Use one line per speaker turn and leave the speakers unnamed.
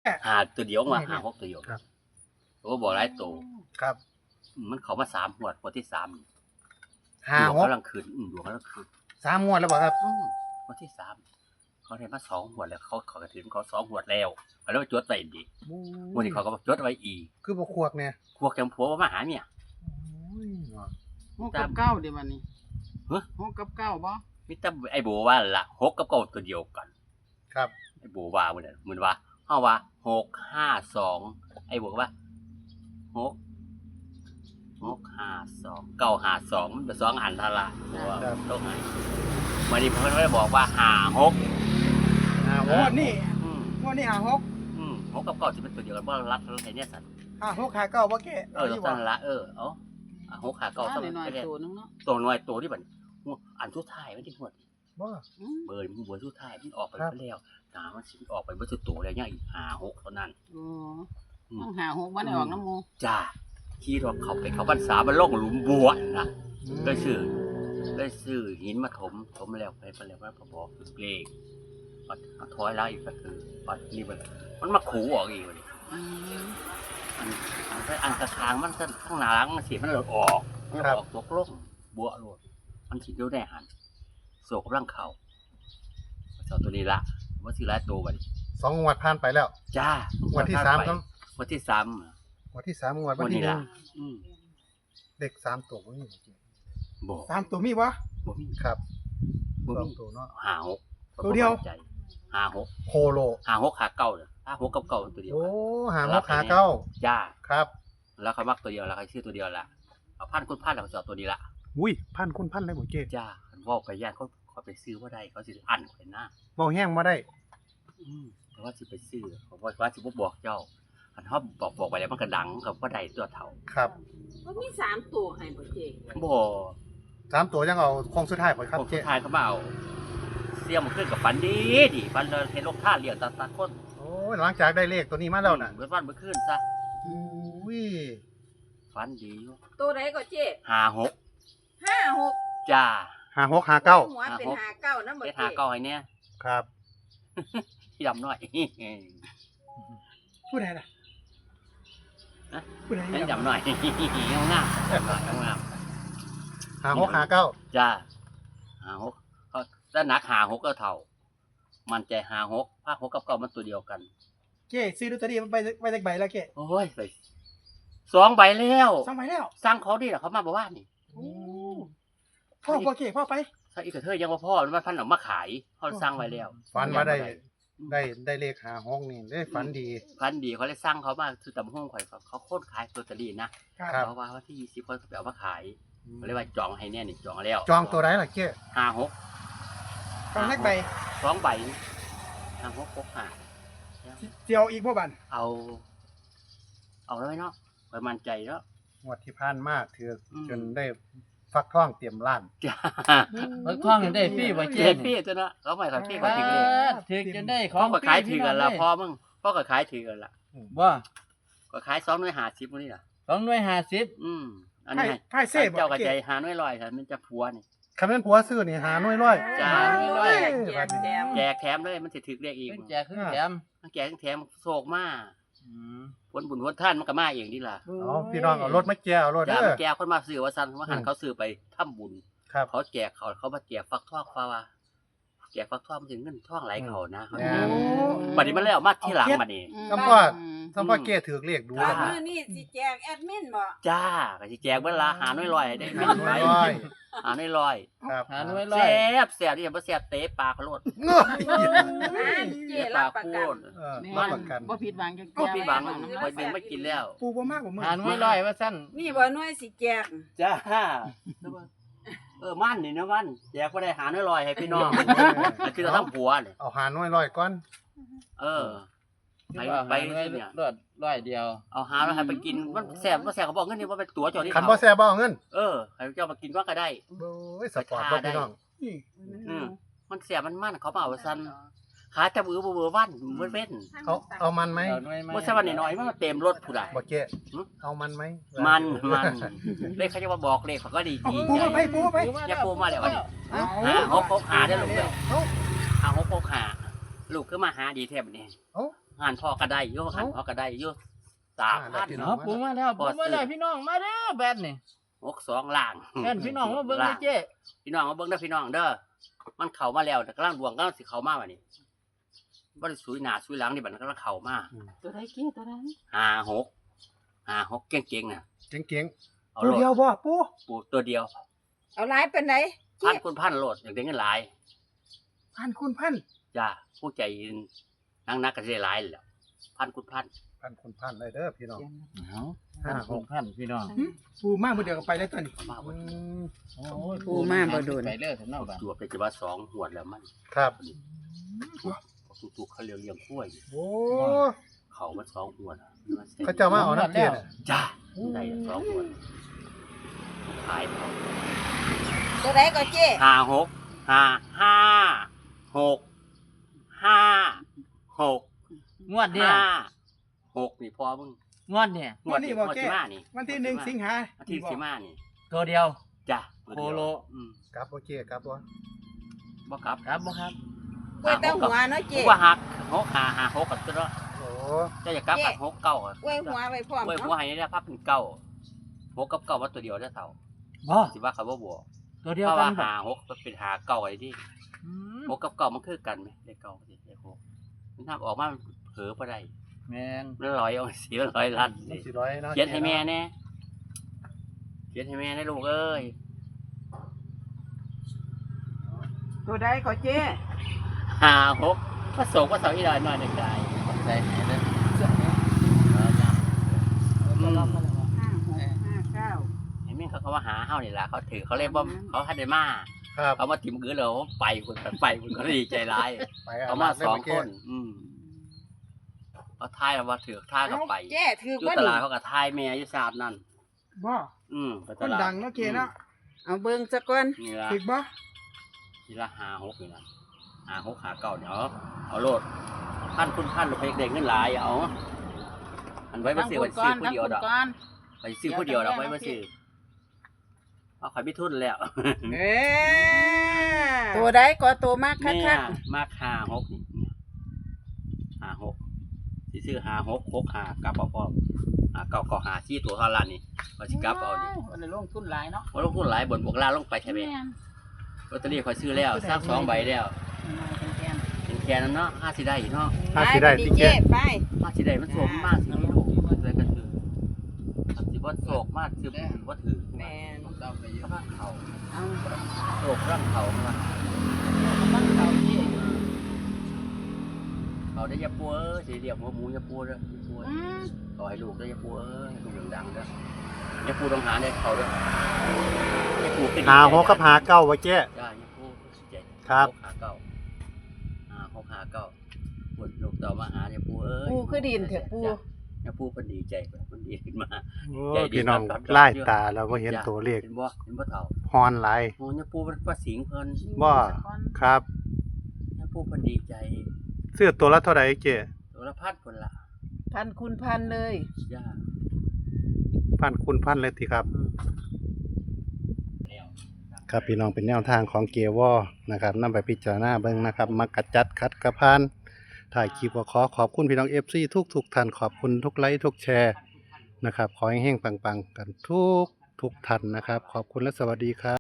หาตัวเดียวมาหา6ตัวเดียว
ครับ
โอ้บอกหลายตัว
ครับ
มันเข้ามา3งวดที่3
ห้า
ดวง
หก
กำลังขึ้นดวงกำลังขึ้น
3 งวดแล้วบ่ครับ
งวดที่3เขาได้มา2งวดแล้วเขากระถิ่นเขา2งวดแล้วแล้วจดไว้ดีงวดนี้เขาก็จดไว้อีก
คือบ่ควกเนี่ย
พวกแกมผัวมาหาเนี่ย
หกกับเก้าเดี๋ยววันนี้
ฮะ
หกกับเก้าบ่
มิตรไอ้โบว่าละ6กับ9ตัวเดียวกัน
ครับ
ไอ้โบว่าเหมือนว่าเฮาว่า652ไอ้โบว่า6 952มันเป็น2อันเท่าละว่าต้องให้วันนี้เพิ่นก็ได้บอกว่า56
ห้าห
งว
ก
ดนี้
อืม
งวดนี้
6กับ9สิเป็นตัวเดียวกันบ่รัดไอ้เนี่ยสัตว์
56 59บ่แก่
สั่นละเอา6 5 9
ก้า
ต้อง
หน่อย
ไป
ๆตัวนึงเนาะ
ตัวน้อยตัวที่บัดอันสุดท้ายมันที่หมด
บ่
เบอร์มันบนสุดท้ายมันออกไปแล้วมันสิออกไปบ่สุดตัวแล้วยังอีก5 6เท่านั้น
โอ้ต้องหาหกมันได้ออกน้ำมู
จ้าขี่รถเขาพรรษามันลงหลุมบัวนะเลยซื้อหินมาถมแล้วไปแล้วว่าพอบอกเลขปัดถอยแล้วอีกก็คือปัดนี่มันมาขู่ออกอีกเลย อันกระทางมันข้างหน้าหลังมันสิมันหลุดออกมันออกตกลงบัวหลุดมันสิเดียวได้หันโศกกำลังเขาเจ้าตัวนี้ละว่าสิหลายตัวบัดนี้
2 งวดผ่านไปแล้ว
จ้าง
วดที่3ครับ
วันที่3
งวดที่3งวด
วั
วัน น
นี้
ที่
ละ
1เด็ก3ตัวบ่มี
บ่
3ตัวมีบ่
บ่มี
ครับ
บ่มี
2ตัวเนาะ
56
ตัวเดียว
56
โคโล
56ขาเก่าเด้อ56กับเก่าตัวเดียว
โอ้ห้าหกขาเก้า
จ้า
ครับ
แล้วเขามักตัวเดียวแล้วเขาชื่อตัวเดียวละเอาพันคุณพันแล้วเขาจะเอาตัวนี้ละ
อุ้ยพันคุณพันเลยบ่เจ๊
จ้าว่าไปย่านเขาไปซื้อว่าได้เขาสิอันเขาหน้า
เว้าแห้งบ่ได้
เพราะว่าสิไปซื้อเพราะว่าสิบ่บอกเจ้าอันเขาบอกไปแล้วมันก็ดังกับว่าได้ตัวเท่า
ครับ
ก็มีสามตัวให้บ่เจ๊
บ่
3ตัวยังเอาโค้งสุดท้ายบ่ครับ
ผม
เจ๊
สุดท้ายเขามาเอาเสียมันขึ้นกับฟันดีฟันเลยเห็นลูกท่าเลี้ยงตาคน
โอ้ยหลังจากได้เลขตัวนี้มาแล้วน่ะ
เบิดวันเบิดขึ้นซะ
อุ้ย
ฟันดีอยู่
ตัวไหนก็เจ๊
56
56
จ้า
ห้าหกห้าเก้า
หัวเป็น59นำบ่
เฮ็ด
เจ๊
59ให้เนี่ย
ครับ
ที่ดำน้อย
ผู้ใดล่ะ
ฮะ
ผู้ใด
ให้ดำน้อยงามงาม
ห้าหกห้าเก้า
จ้า56เขาถ้าหนัก56ก็เท่ามันใจ56ภาค6กับ9มันตัวเดียวกัน
เจ๊ซื้อลอตเตอรี่มันไปจักใบแล้วเจ๊
โอ้ยไป2ใบแล้ว
2ใบแล้ว
สร้างเขาดิล่ะเขามาบอกว่านี่
พ่อบ่เจ๊พ่อไป
ถ้าอีกกระเทยยังว่าพ่อมันมาพันออกมาขายเขาสร้างไว้แล้ว
ฝันมาได้เลขห้าหกนี่ได้ฝันดี
พันดีเขาเลยสร้างเขามาคือตำห้องข่อยเขาโคตรขายลอตเตอรี่นะครับ เพราะว่าวันที่20เขาไปเอามาขายเขาเรียกว่าจองให้แน่นี่จองแล้ว
จองตัวไหนล่ะเจ๊
56
ฟังจักใบ
2ใบ56 65
เจียวอีกบ่บัน
เอาแล้วเนาะไปมั่นใจเนาะ
งวดที่ผ่านมาถือ
อืม
จนได้ฟักท่องเตรียมล้าน
จ้า
มันคล้องได้พี่บ่
เจ็
เจ็
ดพี่จ้ะเนาะเขาไม่ขายพี่ก็ถึงเลย
ถึกจะได้ข
พ่
อ
อง ก็ขายถือกันละพ่อมึงพ่อก็ขายถือกันละ
บ่
ก็ขาย2หน่วย50มื้อนี่ล่ะ
2หน่วย50
อันนี้
ไพ่เซ่บ่
เจ้ากระ
เจ๊
ใจหาหน่วยลอยค่ะมันจะผัวนี่
คำนั้นผัวซื้อนี่หาหน่วยร้อย
จ้า
โอ้ย
แจกแถม
แจกแถมเลยมันสิถึกเรียกอีก
เพิ่นแจกขึ้นแถม
แจกแถมโศกมา
อืม
ผลบุญผลท่านมันก็มาเองนี่ล่ะ
เอาพี่น้องเอารถมาแก้เอารถ
จ้า
เด้
มั
อน
แจกคนมาซื้อว่าซั่นว่าหันเขาซื้อไปทำบุญ
ครับ
เขาแจกเขามาแจกฟักทองฟ้าว่าแจกฟักทองมันถึงเงินทองไหลเขานะเขา
โอ้
บัดนี้มันเลยเอามาที่หลังบัดนี้
สัมพ่อสัมพ่อเก้ถือเลขดู
จ้า
แล้ว
มื้อนี้สิแจกแอดมินบ่
จ้าก็สิแจกเวลาหาหน่วยลอยได้
หาหน่วยร้อย
หาหน่วยลอย
ครับ
หาหน่วยร้อ
แซ่
ย
บแซ่บที่ยังบ่แซ่บเตะปลาเขาโลด
เงย
เจ๊รับประกัน
เออ
นี่
รับประกัน
บ่ผิดหวังจัง
ก็พี่บังคอยดึงไม่กินแล้ว
ปูบ่มากกว่ามึง
หาหน่วยร้อยว่าซั่น
นี่บ่หน่วยสิแจก
จ้ามันนี่นะมันแจกบ่ได้หาหน่วยลอยให้พี่น้องอันคือเราทำผัวเนี่ย
เอาหาหน่วยร้อยก่อน
เออไป
ว่า
ไป
หาหน่วย
เนี่ย
ร้อยเดียว
เอาหาแล้วให้ไปกินมันแซ่บบ่แซ่บเขาบอกเงินนี่ว่าเป็นตั๋วเจ้าที่
คันบ่แซ่บบ่เอาเงิน
เออให้เจ้ามากินว่าก็ได้
โอ้ยสปอร์ตบ่พี่น้อง
นี่
มันแซ่บมันเขามาเอาซั่นขาจับอือบ่วันมื้อเว้น
เขาเอามันไหม
เอาหน่วยมา
บ่ใช่ว่าน้อยๆมันเต็มรถผู้ใด
บ่เจ๊เอามันไหม
มันเลขเขาจะมาบอกเลขเขาก็ดี
เอา
ดี
ปู
ใจ
มาไปปูมาไป
อย่าปูมาแล้ววันนี้
เอา
หกหาได้ลูกเลยหกหาลูกคือมาหาดีแทบนี่
เอ้า
งานพ่อก็ได้อยู่งานพ่อก็ได้อยู่3,000
เนาะปูมาแล้วปูมาแล้วพี่น้องมาเด้อแบนนี่
62ล่าง
แบนพี่น้องมาเบิ่งเลยเจ๊
พี่น้องมาเบิ่งเด้อพี่น้องเด้อมันเข้ามาแล้วแต่กำลังดวงกำลังสิเข้ามาบัดนี้บ่ได้สุยหน้าสุยหลังนี่บัดนั้นกำลังเข้ามา
ตัวใดเจ๊ตัวใด
56เก่งๆน่ะ
เก่ง
เอา
ตัว
โล
เดียว
ด
บ่ปู
ปูตัวเดียว
เอาหลายเป็นไหน
พันคุณพันโลดอย่างได้เงินหลาย
พันคุณพัน
จ้าผู้ใจนักก็สิได้หลายแหล้วพันคุณพัน
ๆพันคนพันเลยเด้อพี่น้อง
เอา
ห้าหก
พันพี่น้อง
ปูมามื้อเดียวก็ไปแล้วตอนนี้
เข้ามา
อื
บ่
ม
โอ้ย
ปูมาบ่โดน
ไปเลยถึงนอกบ้าน
จวบไปจะว่า2หวดแล้วมัน
ครับ
ทุกๆเขาเลี้ยงกล้วย
โอ้
เขามัน2หวดอะ
เขาเจ้ามาเอาน้ำเจ็ด
จ้าได้2หวดขายเขา
ตัวใดก็เจ๊
56
งวดเนี่ย
6นี่พอมึง
งวดเนี่ย
งวดที่มานี่
วันที่1สิงหา
วันที่สิมานี่
ตัวเดียว
จ้ะ
โคโล
กลับโอเคกลับบ่
บ่กลับ
ครับบ่ครับ
กล้วยเต้าหัวเนาะ
ผ
เจ๊
มว่าหัก6 กับตัวเนาะ
โอ้
จะอยากกลับกับ6 9อ่ะ
กล้วยหัวไว้พร้อม
กล้วยหัว
เนาะ
ให้ได้พับเป็นเก้า6 กับ 9ว่าตัวเดียวได้เท่า
บ่
สิว่าเขาบ่บวก
ตัวเดีย
เพ
ว
ราะ
กั
ว่าน
บ่
6เป็น9ไอ้ดิ
อืม
6 กับ 9มันคือกันไหมเลข9สิเลข6มันทำออกมามันเผลอบ่ได้
แม่น
มันลอยเอาเสียลอยลัด
มันสิร้อยเนาะ
เขียนให้แม่แน่เขียนให้แม่ได้ลูกเอ้ย
ตัวใดก็เจ๊
56ผสมกับ2อีหน่อยในกาย
ใส่ไหนเด้อ
56
เห็นไหมเขาว่าหาเฮานี่ล่ะเขาถือเขาเรียกว่าเขาให้ได้มา
ครับ
เขามาถิ่มกือเลยเขาไปคุณก็ดีใจร้าย
ไป
เขามา2 คนเขาทายว่าถือท่ากับไป
เจ๊ถือ
อยู่
ว่า
ต
นี่
ลาดเขากับทายแม่อยู่3นั่น
บ่
ไป
ค
ต
น
ลาด
ดังเนาะเจ๊เนาะ
เอาเบิ่งซะก่อน
นี่ละ
ถึกบ่
ทีละ56นี่ล่ะ56 59เนี่ยเอาโลดพันคุณพันหรือเพกเด็กเงินหลายเอาอันไว้มาซื้อไว้ซื้อผู้เดียวดอกไปซื้อผู้เดียวดอกไว้มาซื้อเอาขายไม่ทุนแล้ว
เอ้ตัวใดก็ตัวมากคั
เนี่ย
ก
มาก56นี่56สิซื้อ56 65กลับเอาพร้อม9ก็54ตัวเท่านั้นนี่ว่าสิกลับเอานี่
วันนี้ลงทุนหลายเนาะ
บ่ลงทุนหลายบนบวกล่างลงไปใช่ไหมลอตเตอรี่ข่อยซื้อแล้วซัก2ใบแล้วเป็นแค่นั้นเนาะ5สิได้เนาะ
ๆ
ถ้าสิได้
ไป
ที่
ดิ
แก่
เจ๊ไป
5สิได้มันโศกมากสิลูกเลยกันถือสิบ่โศกมากสิบ่ถือ
แม่น
ผมเอาไปเยอะ
ร่างเขา
เอา
โศกร่างเขามา
มันเก่าที่
เขาได้ยาปัวสิเรียกหัวหมูยาปัวเด้อยาปัว
อืม
ขอให้ลูกได้ยาปัวให้ลูกดังๆเด้อยาปัวต้องหาได้เขาเด้อยาปัวขึ้น
หาหกกับหาเก้าไว้แก่
จ้ายาปัวใจ
ครับ
6 ปวดลูกต่อมาหาเนี่ยปูเอ้ย
ปูคือดินเถอะปู
เนี่ยปูเพิ่นดีใจเพิ่นดีขึ้นมา
โอ้
ใจดี
พี่น้อง
ครับ
ไล่ตาแล้วบ่เห็นตัวเลข
เห็นบ่เฒ่า
ฮอนหลาย
โอ้เนี่ยปูว่าสิงเพิ่น
บ่ครับ
เนี่ยปูเพิ่นดีใจ
ซื้อตัวละเท่าไหร่เจ๊
ตัวละพันพุ่นล่ะ
พันคุณพันเลย
ย่า
พันคุณพันเลยทีครับ
แล้ว
ครับพี่น้องเป็นแนวทางของเกวอนะครับนำไปพิจารณาเบิ่งนะครับมักกะจัดคัดกระพานถ่ายคลิปก็ขอบคุณพี่น้อง FC ทุกท่านขอบคุณทุกไลค์ทุกแชร์นะครับขอให้เฮงๆปังๆกันทุกท่านนะครับขอบคุณและสวัสดีครับ